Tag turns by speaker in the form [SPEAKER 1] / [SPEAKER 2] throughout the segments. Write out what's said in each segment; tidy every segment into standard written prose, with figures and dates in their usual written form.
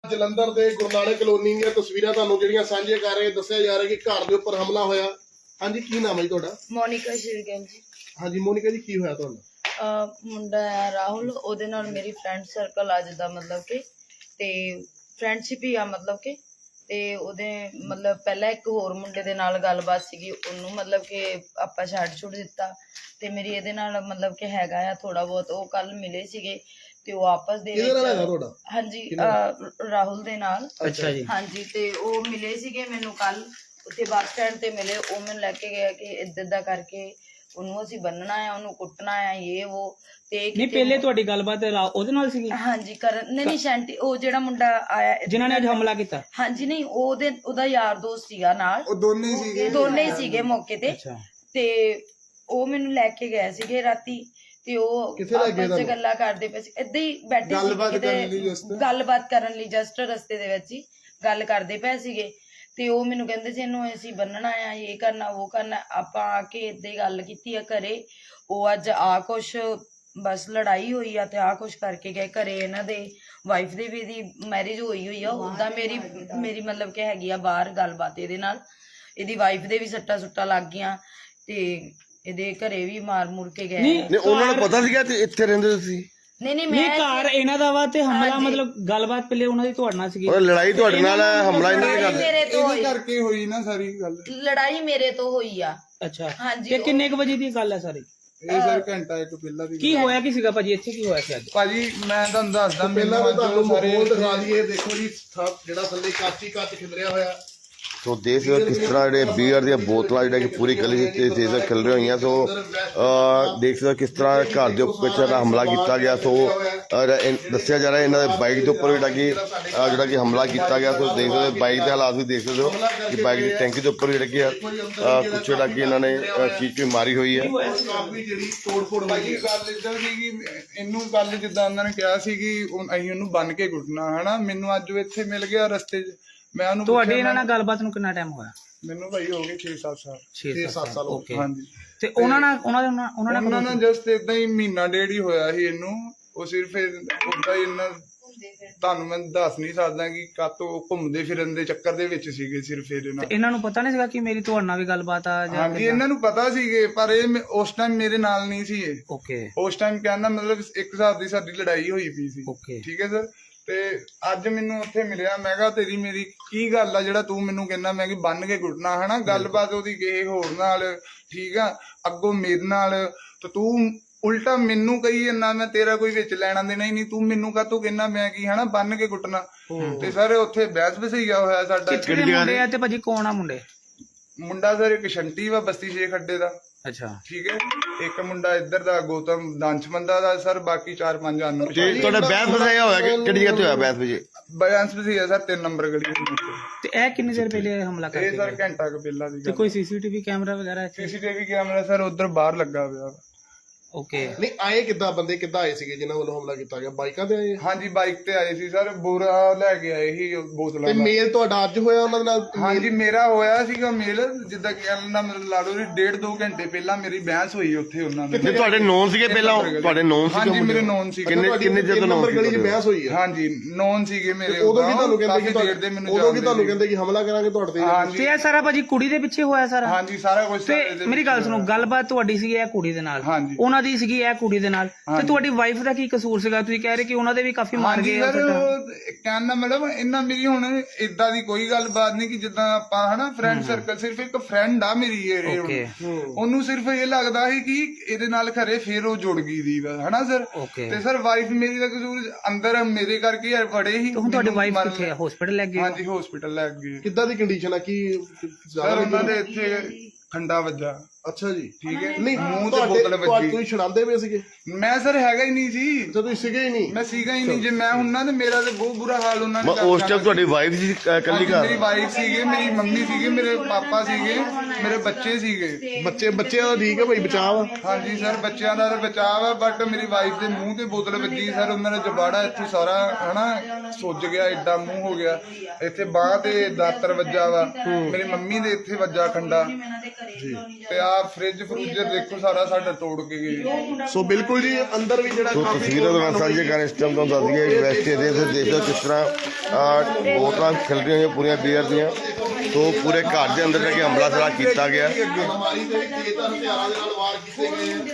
[SPEAKER 1] ਜਲੰਧਰ ਦੇ ਗੁਰੂ ਨਾਨਕ ਕਲੋਨੀ ਦੀਆਂ ਤਸਵੀਰਾਂ ਤੁਹਾਨੂੰ ਜਿਹੜੀਆਂ ਸਾਂਝੇ ਕਰ ਰਹੇ ਦੱਸਿਆ ਜਾ ਰਿਹਾ ਕਿ ਘਰ ਦੇ ਉੱਪਰ ਹਮਲਾ ਹੋਇਆ। ਹਾਂਜੀ, ਕੀ ਨਾਮ ਹੈ ਜੀ ਤੁਹਾਡਾ?
[SPEAKER 2] ਮੋਨਿਕਾ ਸ਼ਿਰਗਿੱਲ ਜੀ।
[SPEAKER 1] ਹਾਂਜੀ ਮੋਨਿਕਾ ਜੀ, ਕੀ ਹੋਇਆ ਤੁਹਾਨੂੰ?
[SPEAKER 2] ਮੁੰਡਾ ਹੈ ਰਾਹੁਲ, ਉਹਦੇ ਨਾਲ ਮੇਰੀ ਫਰੈਂਡ ਸਰਕਲ ਅੱਜ ਦਾ ਮਤਲਬ ਕਿ ਤੇ ਫਰੈਂਡਸ਼ਿਪ ਹੀ ਆ ਮਤਲਬ ਕਿ ਤੇ ਉਹਦੇ ਮਤਲਬ ਪਹਿਲਾਂ ਇੱਕ ਹੋਰ ਮੁੰਡੇ ਦੇ ਨਾਲ ਗੱਲਬਾਤ ਸੀਗੀ, ਉਹਨੂੰ ਮਤਲਬ ਕਿ ਆਪਾਂ ਛੱਡ ਦਿੱਤਾ ਤੇ ਮੇਰੀ ਇਹਦੇ ਨਾਲ ਮਤਲਬ ਕਿ ਹੈਗਾ ਆ ਥੋੜਾ ਬਹੁਤ। ਉਹ ਕੱਲ ਮਿਲੇ ਸੀਗੇ ਤੇ ਉਹ ਆਪਸ ਦੇ ਵਿੱਚ ਹਾਂਜੀ ਰਾਹੁਲ ਦੇ ਨਾਲ।
[SPEAKER 3] ਅੱਛਾ ਜੀ।
[SPEAKER 2] ਹਾਂਜੀ, ਤੇ ਉਹ ਮਿਲੇ ਸੀਗੇ ਮੈਨੂੰ ਕੱਲ ਉੱਥੇ ਬੱਸ ਸਟੈਂਡ ਤੇ ਮਿਲੇ। ਉਹ ਮੈਨੂੰ ਲੈ ਕੇ ਗਿਆ ਕਿ ਇੱਦਾਂ ਦਾ ਕਰਕੇ ਉਹਨੂੰ ਅਸੀਂ ਬੰਨਣਾ ਆ, ਉਹਨੂੰ ਕੁੱਟਣਾ ਆ, ਇਹ ਉਹ ਤੇ
[SPEAKER 3] ਨਹੀਂ ਪਹਿਲੇ ਤੁਹਾਡੀ ਗੱਲਬਾਤ ਉਹਦੇ ਨਾਲ ਸੀਗੀ?
[SPEAKER 2] ਹਾਂਜੀ ਕਰਨ ਨਹੀਂ ਸ਼ੈਂਟੀ, ਉਹ ਜਿਹੜਾ ਮੁੰਡਾ ਆਇਆ
[SPEAKER 3] ਜਿਨ੍ਹਾਂ ਨੇ ਅੱਜ ਹਮਲਾ ਕੀਤਾ।
[SPEAKER 2] ਹਾਂਜੀ ਨਹੀਂ, ਉਹਦਾ ਯਾਰ ਦੋਸਤ ਸੀਗਾ ਨਾਲ,
[SPEAKER 1] ਉਹ ਦੋਨੇ
[SPEAKER 2] ਹੀ ਸੀਗੇ ਮੌਕੇ ਤੇ। ਤੇ ਉਹ ਮੈਨੂੰ ਲੈ ਕੇ ਗਏ ਸੀਗੇ ਰਾਤੀ ਤੇ ਉਹ ਆਪਸ ਚ ਗੱਲਾਂ ਕਰਦੇ ਪਏ ਸੀ, ਏਦਾਂ ਹੀ ਬੈਠੇ ਸੀ ਗੱਲਬਾਤ ਕਰਨ ਲਈ ਜਸਟ ਰਸਤੇ ਦੇ ਵਿੱਚ ਹੀ ਗੱਲ ਕਰਦੇ ਪਏ ਸੀਗੇ। ਤੇ ਉਹ ਮੈਨੂੰ ਕਹਿੰਦੇ ਸੀ ਇਹਨੂੰ ਅਸੀਂ ਬੰਨਣਾ ਆ, ਇਹ ਕਰਨਾ ਉਹ ਕਰਨਾ। ਆਪਾਂ ਆ ਕੇ ਏਦਾਂ ਹੀ ਗੱਲ ਕੀਤੀ ਆ ਘਰੇ। ਉਹ ਅੱਜ ਆ ਕੁਛ ਬਸ ਲੜਾਈ ਹੋਈ ਆ ਤੇ ਆ ਕੁਛ ਕਰਕੇ ਗਏ ਘਰੇ। ਇਹਨਾਂ ਦੇ ਵਾਈਫ ਦੇ ਵੀ ਦੀ ਮੈਰਿਜ ਹੋਈ ਆ, ਉਦਾਂ ਮੇਰੀ ਮਤਲਬ ਕਿ ਹੈਗੀ ਆ ਬਾਹਰ ਗੱਲਬਾਤ ਇਹਦੇ ਨਾਲ। ਇਹਦੀ ਵਾਈਫ ਦੇ ਵੀ ਸੱਟਾਂ ਸੁੱਟਾਂ ਲੱਗ ਗਈਆਂ ਤੇ ਇਹਦੇ ਘਰੇ ਵੀ ਮਾਰ ਮੁਰ ਕੇ ਗਏ।
[SPEAKER 1] ਨਹੀਂ ਉਹਨਾਂ ਨੂੰ ਪਤਾ ਸੀਗਾ ਤੇ ਇੱਥੇ ਰਹਿੰਦੇ ਤੁਸੀਂ?
[SPEAKER 2] ਨਹੀਂ
[SPEAKER 3] ਮੈਂ ਘਰ ਇਹਨਾਂ ਦਾ ਵਾ ਤੇ ਹਮਲਾ ਮਤਲਬ ਗੱਲਬਾਤ ਪਹਿਲੇ ਉਹਨਾਂ ਦੀ ਤੁਹਾਡੇ ਨਾਲ ਸੀਗੀ?
[SPEAKER 1] ਲੜਾਈ ਤੁਹਾਡੇ ਨਾਲ ਹੈ, ਹਮਲਾ ਇਹਨਾਂ ਦੇ
[SPEAKER 4] ਕਰਕੇ ਹੋਈ ਨਾ ਸਾਰੀ ਗੱਲ।
[SPEAKER 2] ਲੜਾਈ ਮੇਰੇ ਤੋਂ ਹੋਈ ਆ।
[SPEAKER 3] ਅੱਛਾ
[SPEAKER 2] ਹਾਂਜੀ।
[SPEAKER 3] ਤੇ ਕਿੰਨੇ ਕੁ ਵਜੇ ਦੀ ਗੱਲ ਹੈ ਸਾਰੀ?
[SPEAKER 4] ਇਹ ਸਰ ਘੰਟਾ ਇੱਕ ਪਹਿਲਾਂ ਦੀ।
[SPEAKER 3] ਕੀ ਹੋਇਆ ਕੀ ਸੀਗਾ ਭਾਜੀ, ਇੱਥੇ ਕੀ ਹੋਇਆ ਸੀ ਅੱਜ?
[SPEAKER 4] ਭਾਜੀ ਮੈਂ ਤੁਹਾਨੂੰ ਦੱਸਦਾ,
[SPEAKER 1] ਪਹਿਲਾਂ ਵੀ ਤੁਹਾਨੂੰ ਮਾਹੌਲ ਦਿਖਾ ਦਈਏ। ਦੇਖੋ ਜੀ ਜਿਹੜਾ ਥੱਲੇ ਕੱਚ ਖਿਲਰਿਆ ਹੋਇਆ।
[SPEAKER 5] ਸੋ ਦੇਖ ਸਕਦੇ ਕਿਸ ਤਰ੍ਹਾਂ ਜਿਹੜੇ ਬੀਅਰ ਦੀਆਂ ਬੋਤਲਾਂ ਜਿਹੜਾ ਕਿ ਪੂਰੀ ਗਲੀ ਵਿੱਚ ਤੇਜ਼ ਖਿਲ ਰਹੀਆਂ ਹੋਈਆਂ। ਸੋ ਦੇਖ ਸਕਦੇ ਕਿਸ ਤਰ੍ਹਾਂ ਘਰ ਦੇ ਉੱਪਰ ਹਮਲਾ ਕੀਤਾ ਗਿਆ। ਸੋ ਦੱਸਿਆ ਜਾ ਰਿਹਾ ਇਹਨਾਂ ਦੇ ਬਾਈਕ ਦੇ ਉੱਪਰ ਜਿਹੜਾ ਕਿ ਹਮਲਾ ਕੀਤਾ ਗਿਆ। ਸੋ ਦੇਖ ਸਕਦੇ ਬਾਈਕ ਦੇ ਹਾਲਾਤ ਵੀ ਦੇਖ ਸਕਦੇ ਹੋ ਕਿ ਬਾਈਕ ਦੀ ਟੈਂਕੀ ਦੇ ਉੱਪਰ ਜਿਹੜਾ ਕਿ ਕੁਛ ਜਿਹੜਾ ਕਿ ਇਹਨਾਂ ਨੇ ਚੀਜ਼ ਕੋਈ ਮਾਰੀ ਹੋਈ ਹੈ।
[SPEAKER 4] ਭਾਜੀ ਗੱਲ ਇੱਦਾਂ ਸੀਗੀ, ਇਹਨੂੰ ਗੱਲ ਜਿੱਦਾਂ ਉਹਨਾਂ ਨੇ ਕਿਹਾ ਸੀ ਕਿ ਅਸੀਂ ਉਹਨੂੰ ਬੰਨ ਕੇ ਕੁੱਟਣਾ ਹਨਾ। ਮੈਨੂੰ ਅੱਜ ਇੱਥੇ ਮਿਲ ਗਿਆ ਰਸਤੇ 'ਚ। ਮੈਂ ਉਹਨੂੰ
[SPEAKER 3] ਤੁਹਾਡੇ ਇਹਨਾਂ ਨਾਲ ਗੱਲਬਾਤ ਨੂੰ ਕਿੰਨਾ ਟਾਈਮ ਹੋਇਆ?
[SPEAKER 4] ਮੈਨੂੰ ਭਾਈ ਹੋ ਗਏ 6-7 ਸਾਲ।
[SPEAKER 1] 6-7 ਸਾਲ
[SPEAKER 3] ਓਕੇ।
[SPEAKER 4] ਹਾਂਜੀ।
[SPEAKER 3] ਤੇ ਉਹਨਾਂ ਨਾਲ
[SPEAKER 4] ਜਸਟ ਏਦਾਂ ਹੀ ਮਹੀਨਾ ਡੇਢ ਹੀ ਹੋਇਆ ਸੀ ਇਹਨੂੰ। ਉਹ ਸਿਰਫ ਓਦਾਂ ਹੀ ਇਹਨਾਂ ਤੁਹਾਨੂੰ ਮੈਂ ਦੱਸ ਨਹੀਂ ਸਕਦਾ ਕਿ ਕਾਤੋਂ ਘੁੰਮਦੇ ਫਿਰਨ ਦੇ ਚੱਕਰ ਦੇ ਵਿੱਚ ਸੀਗੇ ਸਿਰਫ ਇਹਦੇ ਨਾਲ।
[SPEAKER 3] ਇਹਨਾਂ ਨੂੰ ਪਤਾ ਨਹੀਂ ਸੀਗਾ ਕਿ ਮੇਰੀ ਤੁਹਾਡੇ ਨਾਲ ਵੀ ਗੱਲਬਾਤ ਆ?
[SPEAKER 4] ਹਾਂਜੀ ਇਹਨਾਂ ਨੂੰ ਪਤਾ ਸੀਗੇ, ਪਰ ਇਹ ਉਸ ਟਾਈਮ ਮੇਰੇ ਨਾਲ ਨਹੀਂ ਸੀ। ਇਹ
[SPEAKER 3] ਓਕੇ।
[SPEAKER 4] ਉਸ ਟਾਈਮ ਕਹਿੰਦਾ ਮਤਲਬ ਇੱਕ ਹਿਸਾਬ ਦੀ ਸਾਡੀ ਲੜਾਈ ਹੋਈ ਪਈ ਸੀ।
[SPEAKER 3] ਓਕੇ
[SPEAKER 4] ਠੀਕ ਹੈ ਸਰ। ਤੇ ਅੱਜ ਮੈਨੂੰ ਉੱਥੇ ਮਿਲਿਆ। ਮੈਂ ਕਿਹਾ ਤੇਰੀ ਮੇਰੀ ਕੀ ਗੱਲ ਆ ਜਿਹੜਾ ਤੂੰ ਮੈਨੂੰ ਕਹਿੰਦਾ ਮੈਂ ਕਿ ਬੰਨ ਕੇ ਕੁੱਟਣਾ ਹਨਾ। ਗੱਲਬਾਤ ਉਹਦੀ ਕਿਸੇ ਹੋਰ ਨਾਲ ਠੀਕ ਆ, ਅੱਗੋਂ ਮੇਰੇ ਨਾਲ। ਤੇ ਤੂੰ ਉਲਟਾ ਮੈਨੂੰ ਕਹੀ ਜਾਂਦਾ ਮੈਂ ਤੇਰਾ ਕੋਈ ਵਿੱਚ ਲੈਣਾ ਦੇਣਾ ਹੀ ਨਹੀਂ, ਤੂੰ ਮੈਨੂੰ ਕਾਹਤੋਂ ਕਹਿੰਦਾ ਮੈਂ ਕੀ ਹਨਾ ਬੰਨ ਕੇ ਕੁੱਟਣਾ। ਤੇ ਸਰ ਉੱਥੇ ਬਹਿਸ ਬਸਈਆ ਹੋਇਆ ਸਾਡਾ।
[SPEAKER 3] ਕਿਹੜੇ ਮੁੰਡੇ ਆ ਤੇ ਭਾਜੀ ਕੌਣ ਆ ਮੁੰਡੇ?
[SPEAKER 4] ਮੁੰਡਾ ਸਰ ਇੱਕ ਸ਼ੰਟੀ ਵਾ ਬਸਤੀ 6 ਖੱਡੇ ਦਾ।
[SPEAKER 3] ਅੱਛਾ
[SPEAKER 4] ਠੀਕ ਹੈ। ਇੱਕ ਮੁੰਡਾ ਇੱਧਰ ਦਾ ਗੌਤਮ ਦਾਨਸ਼ਮੰਦਾ ਦਾ ਸਰ। ਬਾਕੀ 4-5 ਆਨ
[SPEAKER 5] ਤੁਹਾਡਾ ਬਹਿਸ ਬਸਾਇਆ ਹੋਇਆ ਕਿਹੜੀ ਜਗ੍ਹਾ ਤੇ ਹੋਇਆ ਬਹਿਸ ਵਜੇ?
[SPEAKER 4] ਬੈਂਸ ਵੀ ਹੈ ਸਰ 3 ਨੰਬਰ ਗਲੀ ਦੇ ਵਿੱਚ।
[SPEAKER 3] ਤੇ ਇਹ ਕਿੰਨੀ ਦੇਰ ਪਹਿਲੇ ਹਮਲਾ
[SPEAKER 4] ਇਹ ਸਰ ਘੰਟਾ ਕੁ ਪਹਿਲਾਂ ਦੀ।
[SPEAKER 3] ਤੇ ਕੋਈ ਸੀਸੀਟੀਵੀ ਕੈਮਰਾ ਵਗੈਰਾ ਇੱਥੇ?
[SPEAKER 4] ਸੀਸੀਟੀਵੀ ਕੈਮਰਾ ਸਰ ਉਧਰ ਬਾਹਰ ਲੱਗਾ ਹੋਇਆ।
[SPEAKER 3] ਓਕੇ।
[SPEAKER 1] ਨਹੀਂ ਆਏ ਕਿੱਦਾਂ ਬੰਦੇ, ਕਿੱਦਾਂ ਆਏ ਸੀਗੇ ਜਿਨ੍ਹਾਂ ਵੱਲੋਂ ਹਮਲਾ ਕੀਤਾ ਗਿਆ? ਬਾਈਕਾਂ ਤੇ ਆਏ?
[SPEAKER 4] ਹਾਂਜੀ ਬਾਈਕ ਤੇ ਆਏ ਸੀ ਸਰ। ਬੋਰਾ ਲੈ ਕੇ ਆਏ ਸੀ ਬੋਤਲਾਂ
[SPEAKER 1] ਤੇ
[SPEAKER 4] ਦਾ।
[SPEAKER 1] ਮੇਲ ਤੁਹਾਡਾ ਅੱਜ ਹੋਇਆ ਉਹਨਾਂ ਦੇ ਨਾਲ?
[SPEAKER 4] ਹਾਂਜੀ ਮੇਰਾ ਹੋਇਆ ਸੀਗਾ ਮੇਲ। ਜਿੱਦਾਂ ਕਹਿਣਾ ਮਤਲਬ ਲਾ ਲਓ 1.5-2 ਘੰਟੇ ਪਹਿਲਾਂ ਮੇਰੀ ਬਹਿਸ ਹੋਈ ਉੱਥੇ ਉਹਨਾਂ ਨਾਲ।
[SPEAKER 5] ਨਹੀਂ ਤੁਹਾਡੇ ਨੋਨ ਸੀਗੇ ਪਹਿਲਾਂ? ਤੁਹਾਡੇ ਨੋਨ ਸੀਗੇ?
[SPEAKER 4] ਹਾਂਜੀ ਮੇਰੇ ਨੋਨ ਸੀਗੇ।
[SPEAKER 5] ਕਿੰਨੇ ਜਦੋਂ
[SPEAKER 1] ਨੰਬਰ ਗਲੀ 'ਚ ਬਹਿਸ ਹੋਈ ਹੈ?
[SPEAKER 4] ਹਾਂਜੀ ਨੋਨ ਸੀਗੇ ਮੇਰੇ।
[SPEAKER 1] ਉਦੋਂ ਵੀ ਤੁਹਾਨੂੰ ਕਹਿੰਦੇ ਕਿ
[SPEAKER 4] ਉਦੋਂ ਵੀ ਤੁਹਾਨੂੰ
[SPEAKER 1] ਕਹਿੰਦੇ ਕਿ ਹਮਲਾ ਕਰਾਂਗੇ ਤੁਹਾਡੇ ਤੇ?
[SPEAKER 3] ਤੇ ਇਹ ਸਾਰਾ ਭਾਜੀ ਕੁੜੀ ਦੇ ਪਿੱਛੇ ਹੋਇਆ ਸਾਰਾ?
[SPEAKER 4] ਹਾਂਜੀ ਸਾਰਾ ਕੁਝ।
[SPEAKER 3] ਤੇ ਮੇਰੀ ਗੱਲ ਸੁਣੋ, ਗੱਲਬਾਤ ਤੁਹਾਡੀ ਸੀਗੀ ਇਹ ਕੁੜੀ ਦੇ ਨਾਲ,
[SPEAKER 4] ਹਾਂਜੀ
[SPEAKER 3] ਉਹਨਾਂ ਦੀ ਸੀਗੀ ਇਹ ਕੁੜੀ ਦੇ ਨਾਲ। ਤੇ ਤੁਹਾਡੀ ਵਾਈਫ ਦਾ ਕੀ ਕਸੂਰ ਸੀਗਾ? ਤੁਸੀਂ ਕਹਿ ਰਹੇ ਕਿ ਉਹਨਾਂ ਦੇ ਵੀ ਕਾਫੀ ਮਾਰ ਗਏ।
[SPEAKER 4] ਕਹਿੰਦਾ ਮੈਡਮ ਇਹਨਾਂ ਮੇਰੀ ਹੁਣ ਏਦਾਂ ਦੀ ਕੋਈ ਗੱਲਬਾਤ ਨਹੀਂ ਕਿ ਜਿੱਦਾਂ ਆਪਾਂ ਹਨਾ ਫਰੈਂਡ ਸਰਕਲ। ਸਿਰਫ ਇੱਕ ਫਰੈਂਡ ਆ ਮੇਰੀ ਇਹ। ਉਹਨੂੰ ਸਿਰਫ ਇਹ ਲੱਗਦਾ ਸੀ ਕਿ ਇਹਦੇ ਨਾਲ ਖਰੇ ਫੇਰ ਉਹ ਜੁੜ ਗਈ ਦੀ ਹਨਾ ਸਰ। ਤੇ ਸਰ ਵਾਈਫ ਮੇਰੀ ਦਾ ਕਸੂਰ ਅੰਦਰ ਮੇਰੇ ਕਰਕੇ ਬੜੇ ਹੀ।
[SPEAKER 3] ਹੁਣ ਤੁਹਾਡੀ ਵਾਈਫ ਕਿੱਥੇ ਆ? ਹਸਪੀਟਲ ਲੈ ਗਏ?
[SPEAKER 4] ਹਾਂਜੀ ਹਸਪੀਟਲ ਲੈ ਗਏ।
[SPEAKER 1] ਕਿੱਦਾਂ ਦੀ ਕੰਡੀਸ਼ਨ ਆ? ਕੀ
[SPEAKER 4] ਸਰ ਉਹਨਾਂ ਦੇ ਇੱਥੇ ਖੰਡਾ ਵੱਜਾ।
[SPEAKER 1] ਅੱਛਾ ਜੀ।
[SPEAKER 4] ਠੀਕ ਹੈ।
[SPEAKER 1] ਨਹੀਂ
[SPEAKER 4] ਮੂੰਹ ਤੇ ਬੋਤਲ ਵੱਜੀ।
[SPEAKER 1] ਤੁਸੀਂ ਛੁਡਾਉਂਦੇ ਪਏ ਸੀਗੇ?
[SPEAKER 4] ਮੈਂ ਸਰ ਹੈਗਾ ਹੀ ਨਹੀਂ ਸੀ।
[SPEAKER 1] ਤੁਸੀਂ ਸੀਗੇ ਹੀ ਨਹੀਂ?
[SPEAKER 4] ਮੈਂ ਸੀਗਾ ਹੀ ਨਹੀਂ। ਜੇ ਮੈਂ ਹੁੰਨਾ ਤੇ ਮੇਰਾ ਤੇ ਬਹੁਤ ਬੁਰਾ ਹਾਲ ਉਹਨਾਂ ਨੇ।
[SPEAKER 5] ਉਸ ਟਾਈਮ ਤੁਹਾਡੀ ਵਾਈਫ ਸੀ ਇਕੱਲੀ ਘਰ?
[SPEAKER 4] ਮੇਰੀ ਵਾਈਫ ਸੀਗੇ, ਮੇਰੀ ਮੰਮੀ ਸੀਗੇ, ਮੇਰੇ ਪਾਪਾ ਸੀਗੇ, ਮੇਰੇ ਬੱਚੇ ਸੀਗੇ।
[SPEAKER 1] ਬੱਚਿਆਂ ਦਾ ਠੀਕ ਹੈ ਭਾਈ, ਬਚਾਅ?
[SPEAKER 4] ਹਾਂਜੀ ਸਰ ਬੱਚਿਆਂ ਦਾ ਤਾਂ ਬਚਾਅ ਵਾ, ਬਟ ਮੇਰੀ ਵਾਈਫ ਦੇ ਮੂੰਹ ਤੇ ਬੋਤਲ ਵੱਜੀ ਸਰ। ਉਹਨਾਂ ਦਾ ਜਬਾੜਾ ਇੱਥੇ ਸਾਰਾ ਹਨਾ ਸੁੱਜ ਗਿਆ, ਏਡਾ ਮੂੰਹ ਹੋ ਗਿਆ। ਇੱਥੇ ਬਾਂਹ ਤੇ ਦਾਤਰ ਵੱਜਾ ਵਾ। ਮੇਰੀ ਮੰਮੀ ਦੇ ਇੱਥੇ ਵੱਜਾ ਖੰਡਾ। ਤੇ ਆ ਫ੍ਰਿਜ ਫਰੂਜਰ ਦੇਖੋ ਸਾਰਾ ਸਾਡਾ ਤੋੜ ਕੇ ਗਏ।
[SPEAKER 1] ਸੋ ਬਿਲਕੁਲ ਜੀ ਅੰਦਰ ਵੀ ਜਿਹੜਾ
[SPEAKER 5] ਸੋ ਤਸਵੀਰਾਂ ਦੇ ਨਾਲ ਸਾਂਝੇ ਕਰ ਇਸ ਟਾਈਮ ਤੁਹਾਨੂੰ ਦੱਸ ਦਈਏ ਵੈਸਟ ਏਰੀਆ ਦੇ ਦੇਖ ਲਓ ਕਿਸ ਤਰ੍ਹਾਂ ਬੋਤਲਾਂ ਖਿਲ ਰਹੀਆਂ ਹੋਈਆਂ ਪੂਰੀਆਂ ਬੀਅਰ ਦੀਆਂ। ਸੋ ਪੂਰੇ ਘਰ ਦੇ ਅੰਦਰ ਜਾ ਕੇ ਹਮਲਾ ਸਾਰਾ ਕੀਤਾ ਗਿਆ।
[SPEAKER 1] ਅਲਮਾਰੀ ਦੇ ਵਿੱਚ ਹਥਿਆਰਾਂ ਦੇ ਨਾਲ ਵਾਰ ਕੀਤੇ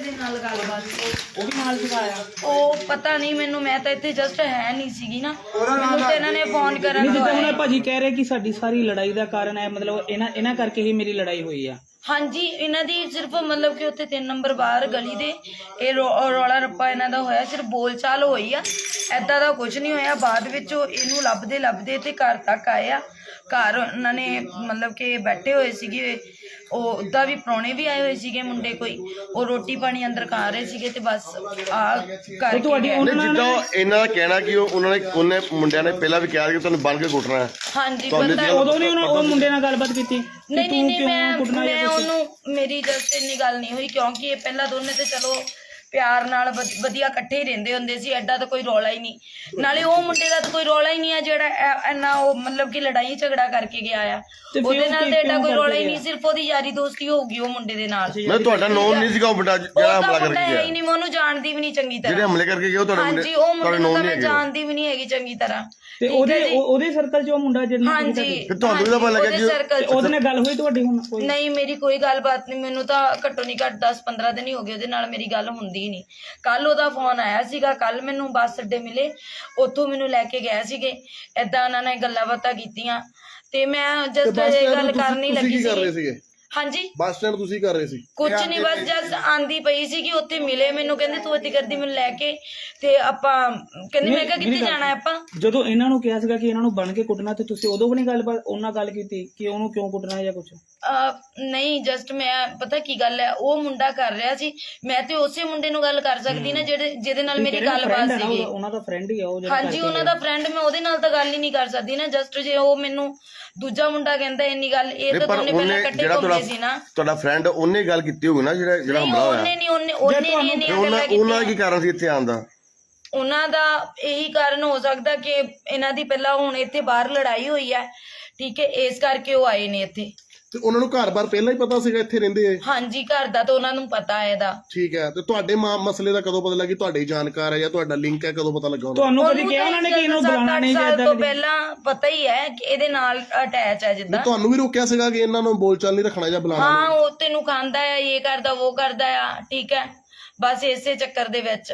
[SPEAKER 1] ਗਏ।
[SPEAKER 2] ਉਹ ਪਤਾ ਨਹੀਂ ਮੈਨੂੰ, ਮੈਂ ਤਾਂ ਇੱਥੇ ਜਸਟ ਹੈ ਨਹੀਂ ਸੀਗੀ ਨਾ, ਮੈਨੂੰ ਤੇ ਇਹਨਾਂ ਨੇ ਫੋਨ ਕਰਨ
[SPEAKER 3] ਜਿੱਦਾਂ
[SPEAKER 2] ਤੋਂ
[SPEAKER 3] ਹੁਣ ਭਾਜੀ ਕਹਿ ਰਹੇ ਕਿ ਸਾਡੀ ਸਾਰੀ ਲੜਾਈ ਦਾ ਕਾਰਨ ਹੈ ਮਤਲਬ ਇਹਨਾਂ ਕਰਕੇ ਹੀ ਮੇਰੀ ਲੜਾਈ ਹੋਈ ਆ।
[SPEAKER 2] ਹਾਂਜੀ, ਇਹਨਾਂ ਦੀ ਸਿਰਫ ਮਤਲਬ ਕਿ ਉੱਥੇ 3 ਨੰਬਰ ਬਾਹਰ ਗਲੀ ਦੇ ਇਹ ਰੌਲਾ ਰੱਪਾ ਇਹਨਾਂ ਦਾ ਹੋਇਆ, ਸਿਰਫ ਬੋਲਚਾਲ ਹੋਈ ਆ, ਐਦਾਂ ਦਾ ਕੁਝ ਨਹੀਂ ਹੋਇਆ। ਬਾਅਦ ਵਿੱਚ ਉਹ ਇਹਨੂੰ ਲੱਭਦੇ ਤੇ ਘਰ ਤੱਕ ਆਏ ਆ। ਘਰ ਉਹਨਾਂ ਨੇ ਮਤਲਬ ਕਿ ਬੈਠੇ ਹੋਏ ਸੀਗੇ, ਉਹ ਉੱਦਾਂ ਵੀ ਪ੍ਰਾਹੁਣੇ ਵੀ ਆਏ ਹੋਏ ਸੀਗੇ ਮੁੰਡੇ ਕੋਈ, ਉਹ ਰੋਟੀ ਪਾਣੀ ਅੰਦਰ ਖਾ ਰਹੇ ਸੀਗੇ ਤੇ ਬਸ ਆ ਕਰਕੇ
[SPEAKER 5] ਜਿੱਦਾਂ ਇਹਨਾਂ ਦਾ ਕਹਿਣਾ ਕਿ ਉਹਨੇ ਮੁੰਡਿਆਂ ਨੇ ਪਹਿਲਾਂ ਵੀ ਕਿਹਾ ਕਿ ਤੁਹਾਨੂੰ ਬੰਨ ਕੇ ਕੁੱਟਣਾ ਹੈ।
[SPEAKER 2] ਹਾਂਜੀ,
[SPEAKER 3] ਉਦੋਂ ਨਹੀਂ ਉਹ ਮੁੰਡੇ ਨਾਲ ਗੱਲਬਾਤ ਕੀਤੀ?
[SPEAKER 2] ਨਹੀਂ ਮੈਂ ਉਹਨੂੰ, ਮੇਰੀ ਜਸਟ ਇੰਨੀ ਗੱਲ ਨਹੀਂ ਹੋਈ ਕਿਉਂਕਿ ਇਹ ਪਹਿਲਾਂ ਦੋਨੇ ਤੇ ਚਲੋ ਪਿਆਰ ਨਾਲ ਵਧੀਆ ਇਕੱਠੇ ਹੀ ਰਹਿੰਦੇ ਹੁੰਦੇ ਸੀ, ਐਡਾ ਤਾਂ ਕੋਈ ਰੌਲਾ ਹੀ ਨਹੀਂ। ਨਾਲੇ ਉਹ ਮੁੰਡੇ ਦਾ ਤਾਂ ਕੋਈ ਰੌਲਾ ਹੀ ਨਹੀਂ ਆ ਜਿਹੜਾ ਇੰਨਾ ਉਹ ਮਤਲਬ ਕਿ ਲੜਾਈ ਝਗੜਾ ਕਰਕੇ ਗਿਆ ਆ, ਉਹਦੇ ਨਾਲ ਤਾਂ ਐਡਾ ਕੋਈ ਰੌਲਾ ਹੀ ਨਹੀਂ, ਸਿਰਫ ਉਹਦੀ ਯਾਰੀ ਦੋਸਤੀ ਹੋਊਗੀ ਉਹ ਮੁੰਡੇ ਦੇ ਨਾਲ।
[SPEAKER 5] ਮੈਂ ਤੁਹਾਡਾ ਨਾਮ ਨਹੀਂ ਸੀਗਾ ਉਹ ਮੁੰਡਾ ਜਿਹੜਾ ਹਮਲਾ ਕਰਕੇ ਗਿਆ?
[SPEAKER 2] ਨਹੀਂ, ਮੈਂ ਉਹਨੂੰ ਜਾਣਦੀ ਵੀ ਨਹੀਂ ਚੰਗੀ ਤਰ੍ਹਾਂ।
[SPEAKER 5] ਜਿਹੜੇ ਹਮਲੇ ਕਰਕੇ ਗਏ ਉਹ ਤੁਹਾਡੇ
[SPEAKER 2] ਹਾਂਜੀ, ਉਹ ਮੁੰਡੇ ਨੂੰ ਤਾਂ ਮੈਂ ਜਾਣਦੀ ਵੀ ਨਹੀਂ ਹੈਗੀ ਚੰਗੀ ਤਰ੍ਹਾਂ।
[SPEAKER 3] ਤੇ ਉਹਦੇ ਸਰਕਲ 'ਚ ਉਹ ਮੁੰਡਾ ਜਿਹੜਾ
[SPEAKER 2] ਹਾਂਜੀ,
[SPEAKER 5] ਤੁਹਾਨੂੰ ਵੀ ਤਾਂ ਪਤਾ ਲੱਗਿਆ ਕਿ
[SPEAKER 3] ਉਹਦੇ ਨਾਲ ਗੱਲ ਹੋਈ ਤੁਹਾਡੀ? ਹੁਣ ਕੋਈ
[SPEAKER 2] ਨਹੀਂ, ਮੇਰੀ ਕੋਈ ਗੱਲਬਾਤ ਨਹੀਂ, ਮੈਨੂੰ ਤਾਂ ਘੱਟੋ ਨਹੀਂ ਘੱਟ 10-15 ਦਿਨ ਹੀ ਹੋ ਗਏ ਉਹਦੇ ਨਾਲ ਮੇਰੀ ਗੱਲ ਹੁੰਦੀ ਹੀ ਨਹੀਂ। ਕੱਲ ਉਹਦਾ ਫੋਨ ਆਇਆ ਸੀਗਾ, ਕੱਲ ਮੈਨੂੰ ਬੱਸ ਅੱਡੇ ਮਿਲੇ, ਉੱਥੋਂ ਮੈਨੂੰ ਲੈ ਕੇ ਗਏ ਸੀਗੇ, ਏਦਾਂ ਉਹਨਾਂ ਨੇ ਗੱਲਾਂ ਬਾਤਾਂ ਕੀਤੀਆਂ ਤੇ ਮੈਂ ਜਸਟ ਇਹ ਗੱਲ ਕਰਨੀ ਲੱਗੀ ਸੀ। ਹਾਂਜੀ,
[SPEAKER 1] ਬੱਸ ਸਟੈਂਡ ਤੁਸੀਂ ਕਰ ਰਹੇ ਸੀ?
[SPEAKER 2] ਕੁਝ ਨਹੀਂ, ਬਸ ਜਸ ਆਂਦੀ ਪਈ ਸੀ ਕਿ ਉੱਥੇ ਮਿਲੇ ਮੈਨੂੰ, ਕਹਿੰਦੇ ਤੂੰ ਇੱਥੇ ਕਰਦੀ ਮੈਨੂੰ ਲੈ ਕੇ ਤੇ ਆਪਾਂ ਕਹਿੰਦੇ ਮੈਂ ਕਿਹਾ ਕਿੱਥੇ ਜਾਣਾ ਆਪਾਂ।
[SPEAKER 3] ਜਦੋਂ ਇਹਨਾਂ ਨੂੰ ਕਿਹਾ ਸੀਗਾ ਕਿ ਇਹਨਾਂ ਨੂੰ ਬਣ ਕੇ ਕੁੱਟਣਾ ਤੇ ਤੁਸੀਂ ਉਦੋਂ ਵੀ ਨਹੀਂ ਗੱਲਬਾਤ ਉਹਨਾਂ ਗੱਲ ਕੀਤੀ ਕਿ ਉਹਨੂੰ ਕਿਉਂ ਕੁੱਟਣਾ ਜਾਂ ਕੁਝ?
[SPEAKER 2] ਨਹੀਂ, ਜਸਟ ਮੈਂ ਪਤਾ ਕੀ ਗੱਲ ਹੈ, ਉਹ ਮੁੰਡਾ ਕਰ ਰਿਹਾ ਸੀ, ਮੈਂ ਤੇ ਉਸੇ ਮੁੰਡੇ ਨੂੰ ਗੱਲ ਕਰ ਸਕਦੀ ਨਾ ਜਿਹਦੇ ਨਾਲ ਮੇਰੀ ਗੱਲਬਾਤ ਸੀਗੀ।
[SPEAKER 3] ਉਹਨਾਂ ਦਾ ਫਰੈਂਡ ਹੀ ਆ ਉਹ।
[SPEAKER 2] ਹਾਂਜੀ, ਉਹਨਾਂ ਦਾ ਫਰੈਂਡ, ਮੈਂ ਉਹਦੇ ਨਾਲ ਤਾਂ ਗੱਲ ਹੀ ਨਹੀਂ ਕਰ ਸਕਦੀ ਨਾ। ਜਸਟ ਜੇ ਉਹ ਮੈਨੂੰ ਦੂਜਾ ਮੁੰਡਾ ਕਹਿੰਦਾ ਇੰਨੀ ਗੱਲ, ਇਹ ਤਾਂ ਦੋਨੇ ਪਹਿਲਾਂ ਇਕੱਠੇ ਘੁੰਮਦੇ ਸੀ ਨਾ।
[SPEAKER 5] ਤੁਹਾਡਾ ਫਰੈਂਡ ਉਹਨੇ ਗੱਲ ਕੀਤੀ ਹੋਊਗੀ ਨਾ ਜਿਹੜਾ ਹਮਲਾ ਹੋਇਆ?
[SPEAKER 2] ਉਹਨੇ ਨਹੀਂ
[SPEAKER 5] ਉਹਨਾਂ ਦਾ ਕੀ ਕਾਰਨ ਸੀ ਇੱਥੇ ਆਉਣ ਦਾ?
[SPEAKER 2] ਉਹਨਾਂ ਦਾ ਇਹੀ ਕਾਰਨ ਹੋ ਸਕਦਾ ਕਿ ਇਹਨਾਂ ਦੀ ਪਹਿਲਾਂ ਹੁਣ ਇੱਥੇ ਬਾਹਰ ਲੜਾਈ ਹੋਈ ਹੈ, ਠੀਕ ਹੈ, ਇਸ ਕਰਕੇ ਉਹ ਆਏ ਨੇ ਇੱਥੇ।
[SPEAKER 1] ਤੇ ਉਹਨਾਂ ਨੂੰ ਘਰ-ਬਾਰ ਪਹਿਲਾਂ ਹੀ ਪਤਾ ਸੀਗਾ ਇੱਥੇ ਰਹਿੰਦੇ ਐ?
[SPEAKER 2] ਹਾਂਜੀ, ਘਰ ਦਾ ਤਾਂ ਉਹਨਾਂ ਨੂੰ ਪਤਾ ਹੈ ਇਹਦਾ।
[SPEAKER 1] ਠੀਕ ਹੈ, ਤੇ ਤੁਹਾਡੇ ਮਸਲੇ ਦਾ ਕਦੋਂ ਪਤਾ ਲੱਗੀ? ਤੁਹਾਡੇ ਜਾਣਕਾਰ ਹੈ ਜਾਂ ਤੁਹਾਡਾ ਲਿੰਕ ਹੈ, ਕਦੋਂ ਪਤਾ ਲੱਗਾ
[SPEAKER 3] ਤੁਹਾਨੂੰ? ਕਦੀ ਕਿਹਾ ਉਹਨਾਂ ਨੇ ਕਿ ਇਹਨੂੰ ਬੁਲਾਣਾ ਨਹੀਂ ਜਾਂ
[SPEAKER 2] ਇਦਾਂ? ਤੋਂ ਪਹਿਲਾਂ ਪਤਾ ਹੀ ਹੈ ਕਿ ਇਹਦੇ ਨਾਲ ਅਟੈਚ ਹੈ ਜਿੱਦਾਂ।
[SPEAKER 1] ਤੁਹਾਨੂੰ ਵੀ ਰੋਕਿਆ ਸੀਗਾ ਕਿ ਇਹਨਾਂ ਨੂੰ ਬੋਲਚਾਲ ਨਹੀਂ ਰੱਖਣਾ ਜਾਂ ਬੁਲਾਣਾ?
[SPEAKER 2] ਹਾਂ, ਉਹ ਤੈਨੂੰ ਖਾਂਦਾ ਆ, ਇਹ ਕਰਦਾ ਉਹ ਕਰਦਾ ਆ, ਠੀਕ ਹੈ, ਬਸ ਇਸੇ ਚੱਕਰ ਦੇ ਵਿੱਚ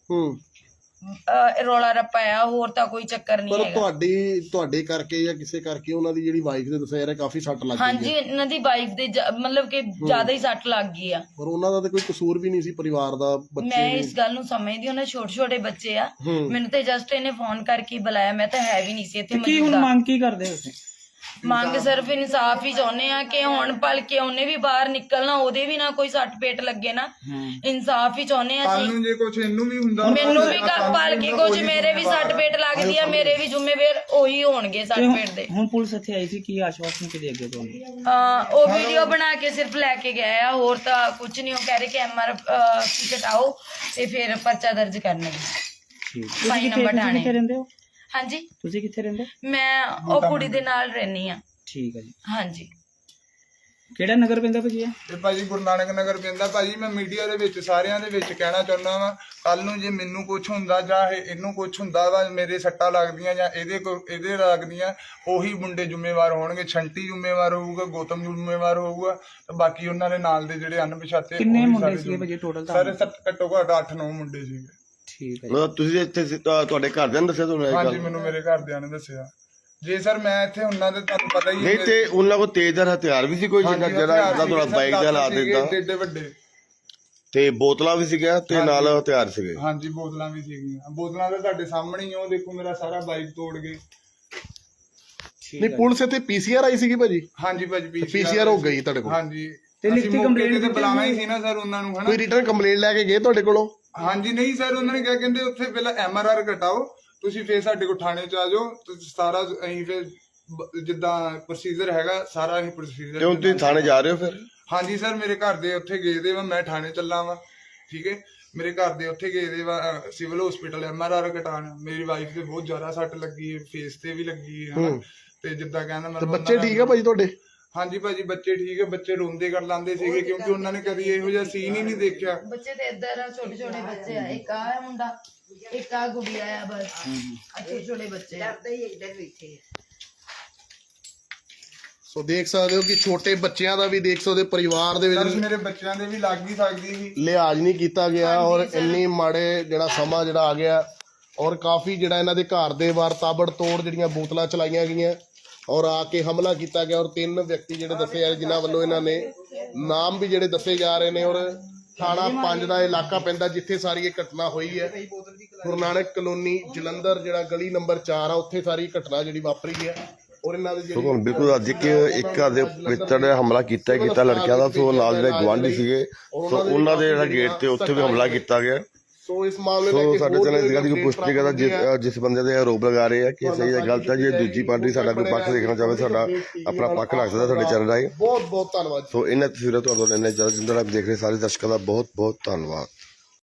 [SPEAKER 2] ਰੌਲਾ ਰੱਪਾ ਆ, ਹੋਰ ਤਾਂ ਕੋਈ ਚੱਕਰ ਨਹੀਂ ਹੈਗਾ।
[SPEAKER 1] ਪਰ ਤੁਹਾਡੇ ਕਰਕੇ ਜਾਂ ਕਿਸੇ ਕਰਕੇ ਉਹਨਾਂ ਦੀ ਜਿਹੜੀ ਵਾਈਫ ਦੇ ਦੱਸਿਆ ਯਾਰ ਕਾਫੀ ਸੱਟ ਲੱਗ ਗਈ?
[SPEAKER 2] ਹਾਂਜੀ, ਇਹਨਾਂ ਦੀ ਵਾਈਫ ਦੇ ਮਤਲਬ ਕਿ ਜ਼ਿਆਦਾ ਹੀ ਸੱਟ ਲੱਗ ਗਈ ਆ।
[SPEAKER 1] ਪਰ ਉਹਨਾਂ ਦਾ ਤਾਂ ਕੋਈ ਕਸੂਰ ਵੀ ਨਹੀਂ ਸੀ, ਪਰਿਵਾਰ ਦਾ, ਬੱਚੇ।
[SPEAKER 2] ਮੈਂ ਇਸ ਗੱਲ ਨੂੰ ਸਮਝਦੀ, ਉਹਨਾਂ ਛੋਟੇ ਬੱਚੇ ਆ, ਮੈਨੂੰ ਤੇ ਜਸਟ ਇਹਨੇ ਫੋਨ ਕਰਕੇ ਬੁਲਾਇਆ, ਮੈਂ ਤਾਂ ਹੈ ਵੀ ਨਹੀਂ ਸੀ ਇੱਥੇ।
[SPEAKER 3] ਕੀ ਹੁਣ ਮੰਗ ਕੀ ਕਰਦੇ ਹੋ ਤੁਸੀਂ?
[SPEAKER 2] ਮੰਗ ਸਿਰਫ ਇਨਸਾਫ ਹੀ ਚਾਹੁੰਦੇ ਆ ਕਿ ਹੁਣ ਭਲਕੇ ਉਹਨੇ ਵੀ ਬਾਹਰ ਨਿਕਲਣਾ, ਉਹਦੇ ਵੀ ਨਾ ਕੋਈ ਸੱਟ ਪੇਟ ਲੱਗੇ ਨਾ, ਇਨਸਾਫ ਹੀ ਚਾਹੁੰਦੇ ਆ ਅਸੀਂ।
[SPEAKER 4] ਜੇ ਕੁਝ ਇਹਨੂੰ ਵੀ ਹੁੰਦਾ,
[SPEAKER 2] ਮੈਨੂੰ ਵੀ ਭਲਕੇ ਕੁਝ ਮੇਰੇ ਵੀ ਸੱਟ ਪੇਟ ਲੱਗਦੀ ਆ, ਮੇਰੇ ਵੀ ਜ਼ਿੰਮੇਵਾਰ ਉਹੀ ਹੋਣਗੇ ਸੱਟ ਪੇਟ ਦੇ।
[SPEAKER 3] ਹੁਣ ਪੁਲਿਸ ਇੱਥੇ ਆਈ ਸੀ, ਕੀ ਆਸ਼ਵਾਸਨ ਕਿ ਦੇ ਅੱਗੇ ਤੁਹਾਨੂੰ?
[SPEAKER 2] ਉਹ ਵੀਡੀਓ ਬਣਾ ਕੇ ਸਿਰਫ ਲੈ ਕੇ ਗਏ ਆ, ਹੋਰ ਤਾਂ ਕੁਝ ਨਹੀਂ। ਉਹ ਕਹਿ ਰਹੇ ਕਿ MRP ਕਟਾਓ ਤੇ ਫਿਰ ਪਰਚਾ ਦਰਜ ਕਰਨਗੇ।
[SPEAKER 3] ਠੀਕ,
[SPEAKER 2] ਸਾਈ ਨੰਬਰ ਥਾਣੇ।
[SPEAKER 3] ਕਿੱਥੇ ਰਹਿੰਦੇ ਹੋ?
[SPEAKER 2] ਹਾਂਜੀ,
[SPEAKER 3] ਤੁਸੀਂ ਕਿੱਥੇ ਰਹਿੰਦੇ?
[SPEAKER 2] ਮੈਂ ਉਹ ਕੁੜੀ ਦੇ ਨਾਲ ਰਹਿਣੀ ਆ।
[SPEAKER 3] ਠੀਕ ਹੈ ਜੀ।
[SPEAKER 2] ਹਾਂਜੀ,
[SPEAKER 3] ਕਿਹੜਾ ਨਗਰ ਪੈਂਦਾ ਭਾਜੀ?
[SPEAKER 4] ਇਹ ਭਾਜੀ ਗੁਰੂ ਨਾਨਕ ਨਗਰ ਪੈਂਦਾ। ਭਾਜੀ ਮੈਂ ਮੀਡੀਆ ਦੇ ਵਿੱਚ ਸਾਰਿਆਂ ਦੇ ਵਿੱਚ ਕਹਿਣਾ ਚਾਹੁੰਦਾ ਵਾ, ਕੱਲ ਨੂੰ ਜੇ ਮੈਨੂੰ ਕੁਝ ਹੁੰਦਾ ਜਾਂ ਇਹਨੂੰ ਕੁਝ ਹੁੰਦਾ ਵਾ, ਮੇਰੇ ਸੱਟਾਂ ਲੱਗਦੀਆਂ ਜਾਂ ਇਹਦੇ ਲੱਗਦੀਆਂ, ਉਹੀ ਮੁੰਡੇ ਜ਼ਿੰਮੇਵਾਰ ਹੋਣਗੇ। ਛੰਟੀ ਜ਼ਿੰਮੇਵਾਰ ਹੋਊਗਾ, ਗੌਤਮ ਜ਼ਿੰਮੇਵਾਰ ਹੋਊਗਾ, ਤੇ ਬਾਕੀ ਉਹਨਾਂ ਦੇ ਨਾਲ ਦੇ ਜਿਹੜੇ ਅਣਪਛਾਤੇ।
[SPEAKER 3] ਕਿੰਨੇ ਮੁੰਡੇ ਸੀਗੇ ਭਾਜੀ ਟੋਟਲ?
[SPEAKER 4] ਸਾਰੇ ਘੱਟੋ ਘੱਟ 8-9 ਮੁੰਡੇ ਸੀਗੇ।
[SPEAKER 3] ਠੀਕ ਹੈ।
[SPEAKER 5] ਮਤਲਬ ਤੁਸੀਂ ਇੱਥੇ ਤੁਹਾਡੇ ਘਰਦਿਆਂ ਨੇ ਦੱਸਿਆ ਤੁਹਾਨੂੰ?
[SPEAKER 4] ਹਾਂਜੀ, ਮੈਨੂੰ ਮੇਰੇ ਘਰਦਿਆਂ ਨੇ ਦੱਸਿਆ। ਜੇ ਸਰ ਮੈਂ ਇੱਥੇ ਹੁੰਨਾ ਤੇ ਤੁਹਾਨੂੰ ਪਤਾ ਹੀ
[SPEAKER 5] ਨਹੀਂ, ਤੇ ਉਹਨਾਂ ਕੋਲ ਤੇਜ਼ਧਾਰ ਹਥਿਆਰ ਵੀ ਸੀ ਕੋਈ ਜਿਹੜਾ ਤੁਹਾਡਾ ਬਾਈਕ ਦਾ ਲਾ ਦਿੱਤਾ?
[SPEAKER 4] ਏਡੇ ਵੱਡੇ
[SPEAKER 5] ਤੇ ਬੋਤਲਾਂ ਵੀ ਸੀਗੀਆਂ ਤੇ ਨਾਲ ਹਥਿਆਰ ਸੀਗੇ?
[SPEAKER 4] ਹਾਂਜੀ, ਬੋਤਲਾਂ ਵੀ ਸੀਗੀਆਂ। ਬੋਤਲਾਂ ਤਾਂ ਤੁਹਾਡੇ ਸਾਹਮਣੇ ਹੀ, ਉਹ ਦੇਖੋ ਮੇਰਾ ਸਾਰਾ ਬਾਈਕ ਤੋੜ ਗਏ।
[SPEAKER 1] ਨਹੀਂ, ਪੁਲਿਸ ਇੱਥੇ PCR ਆਈ ਸੀਗੀ ਭਾਜੀ?
[SPEAKER 4] ਹਾਂਜੀ ਭਾਜੀ,
[SPEAKER 1] PCR ਹੋ ਗਈ ਤੁਹਾਡੇ ਕੋਲ?
[SPEAKER 4] ਹਾਂਜੀ,
[SPEAKER 3] ਤੇ ਲਿਖਤੀ ਕੰਪਲੇਂਟ
[SPEAKER 4] ਤੇ ਬੁਲਾਣਾ ਹੀ ਸੀ ਨਾ ਸਰ ਉਹਨਾਂ ਨੂੰ, ਹਨਾ?
[SPEAKER 1] ਕੋਈ ਰਿਟਰਨ ਕੰਪਲੇਂਟ ਲੈ ਕੇ ਗਏ ਤੁਹਾਡੇ ਕੋਲੋਂ?
[SPEAKER 4] ਹਾਂਜੀ, ਨਹੀਂ ਸਰ, ਉਹਨਾਂ ਨੇ ਕਿਹਾ, ਕਹਿੰਦੇ ਉੱਥੇ ਪਹਿਲਾਂ MRR ਕਟਾਓ, ਤੁਸੀਂ ਫੇਰ ਸਾਡੇ ਕੋਲ ਥਾਣੇ ਚ ਆ ਜਾਓ, ਸਾਰਾ ਅਸੀਂ ਫੇਰ ਜਿੱਦਾਂ ਪ੍ਰੋਸੀਜਰ ਹੈਗਾ ਸਾਰਾ ਅਸੀਂ ਪ੍ਰੋਸੀਜਰ।
[SPEAKER 5] ਕਿਉਂ ਤੁਸੀਂ ਥਾਣੇ ਜਾ ਰਹੇ ਹੋ ਫਿਰ?
[SPEAKER 4] ਹਾਂਜੀ ਸਰ, ਮੇਰੇ ਘਰ ਦੇ ਉੱਥੇ ਗਏ ਦੇ ਵਾ, ਮੈਂ ਥਾਣੇ ਚੱਲਾ ਵਾ, ਠੀਕ ਹੈ। ਮੇਰੇ ਘਰ ਦੇ ਉੱਥੇ ਗਏ ਦੇ ਵਾ ਸਿਵਲ ਹਸਪੀਟਲ MRR ਕਟਾਉਣ। ਮੇਰੀ ਵਾਈਫ ਦੇ ਬਹੁਤ ਜ਼ਿਆਦਾ ਸੱਟ ਲੱਗੀ ਹੈ, ਫੇਸ ਤੇ ਵੀ ਲੱਗੀ ਹੈ, ਤੇ ਜਿੱਦਾਂ ਕਹਿੰਦਾ ਮੈਂ।
[SPEAKER 1] ਬੱਚੇ ਠੀਕ ਆ ਭਾਜੀ ਤੁਹਾਡੇ?
[SPEAKER 4] ਹਾਂਜੀ ਭਾਜੀ ਬੱਚੇ ਠੀਕ ਹੈ, ਬੱਚੇ ਰੋਂਦੇ ਕਰ ਲਾਂਦੇ ਸੀਗੇ ਕਿਉਂਕਿ ਉਹਨਾਂ ਨੇ ਕਦੀ ਇਹੋ ਜਿਹਾ ਸੀਨ ਹੀ ਨਹੀਂ ਦੇਖਿਆ।
[SPEAKER 2] ਬੱਚੇ ਤੇ ਇੱਧਰ ਆ, ਛੋਟੇ ਛੋਟੇ ਬੱਚੇ ਆ, ਇੱਕ ਆ ਮੁੰਡਾ, ਇੱਕ ਆ ਗੁੜੀਆ ਆ, ਬਸ ਆ ਛੋਟੇ ਛੋਟੇ ਬੱਚੇ ਆ।
[SPEAKER 1] ਸੋ ਦੇਖ ਸਕਦੇ ਹੋ ਕਿ ਛੋਟੇ ਬੱਚਿਆਂ ਦਾ ਵੀ ਦੇਖ ਸਕਦੇ ਹੋ, ਪਰਿਵਾਰ ਦੇ
[SPEAKER 4] ਸਰ
[SPEAKER 1] ਵਿੱਚ
[SPEAKER 4] ਮੇਰੇ ਬੱਚਿਆਂ ਦੇ ਵੀ ਲੱਗ ਹੀ ਸਕਦੀ ਸੀ।
[SPEAKER 1] ਲਿਹਾਜ਼ ਨਹੀਂ ਕੀਤਾ ਗਿਆ ਔਰ ਇੰਨੀ ਮਾੜੇ ਜਿਹੜਾ ਸਮਾਂ ਜਿਹੜਾ ਆ ਗਿਆ ਔਰ ਕਾਫੀ ਜਿਹੜਾ ਇਹਨਾਂ ਦੇ ਘਰ ਦੇ ਬਾਹਰ ਤਾਬੜ ਤੋੜ ਜਿਹੜੀਆਂ ਬੋਤਲਾਂ ਚਲਾਈਆਂ ਗਈਆਂ ਔਰ ਆ ਕੇ ਹਮਲਾ ਕੀਤਾ ਗਿਆ ਔਰ 3 ਵਿਅਕਤੀ ਜਿਹੜੇ ਦੱਸੇ ਜਾ ਰਹੇ ਜਿਨ੍ਹਾਂ ਵੱਲੋਂ ਇਹਨਾਂ ਨੇ ਨਾਮ ਵੀ ਜਿਹੜੇ ਦੱਸੇ ਜਾ ਰਹੇ ਨੇ ਔਰ ਥਾਣਾ 5 ਦਾ ਇਲਾਕਾ ਪੈਂਦਾ ਜਿੱਥੇ ਸਾਰੀ ਇਹ ਘਟਨਾ ਹੋਈ ਹੈ। ਗੁਰੂ ਨਾਨਕ ਕਲੋਨੀ ਜਲੰਧਰ ਜਿਹੜਾ ਗਲੀ ਨੰਬਰ 4 ਆ ਉੱਥੇ ਸਾਰੀ ਘਟਨਾ ਜਿਹੜੀ ਵਾਪਰੀ ਹੈ ਔਰ ਇਹਨਾਂ ਦੇ
[SPEAKER 5] ਸੋ ਤੁਹਾਨੂੰ ਬਿਲਕੁਲ ਅੱਜ ਇੱਕ ਘਰ ਦੇ ਵਿੱਚ ਹਮਲਾ ਕੀਤਾ ਲੜਕਿਆਂ ਦਾ। ਸੋ ਨਾਲ ਜਿਹੜੇ ਗੁਆਂਢੀ ਸੀਗੇ ਸੋ ਉਹਨਾਂ ਦੇ ਜਿਹੜਾ ਗੇਟ ਤੇ ਉੱਥੇ ਵੀ ਹਮਲਾ ਕੀਤਾ ਗਿਆ।
[SPEAKER 1] ਸੋ ਇਸ ਮਾਮਲੇ
[SPEAKER 5] ਸੋ ਸਾਡੇ ਚੈਨਲ ਇਸ ਗੱਲ ਦੀ ਪੁਸ਼ਟੀ ਕਰਦਾ ਜਿਸ ਬੰਦੇ ਦੇ ਆਰੋਪ ਲਗਾ ਰਹੇ ਆ ਕਿ ਸਹੀ ਹੈ ਗਲਤ ਹੈ, ਜੇ ਦੂਜੀ ਪਾਰਟੀ ਸਾਡਾ ਕੋਈ ਪੱਖ ਦੇਖਣਾ ਚਾਹਵੇ ਸਾਡਾ ਆਪਣਾ ਪੱਖ ਰੱਖ ਸਕਦਾ ਸਾਡੇ ਚੈਨਲ ਰਾਹੀਂ।
[SPEAKER 1] ਬਹੁਤ ਬਹੁਤ ਧੰਨਵਾਦ।
[SPEAKER 5] ਸੋ ਇਹਨਾਂ ਤਸਵੀਰਾਂ ਤੁਹਾਨੂੰ ਇੰਨੇ ਜ਼ਿਆਦਾ ਜਿੰਦਰ ਆਪ ਦੇਖ ਰਹੇ ਸਾਰੇ ਦਰਸ਼ਕਾਂ ਦਾ ਬਹੁਤ ਬਹੁਤ ਧੰਨਵਾਦ।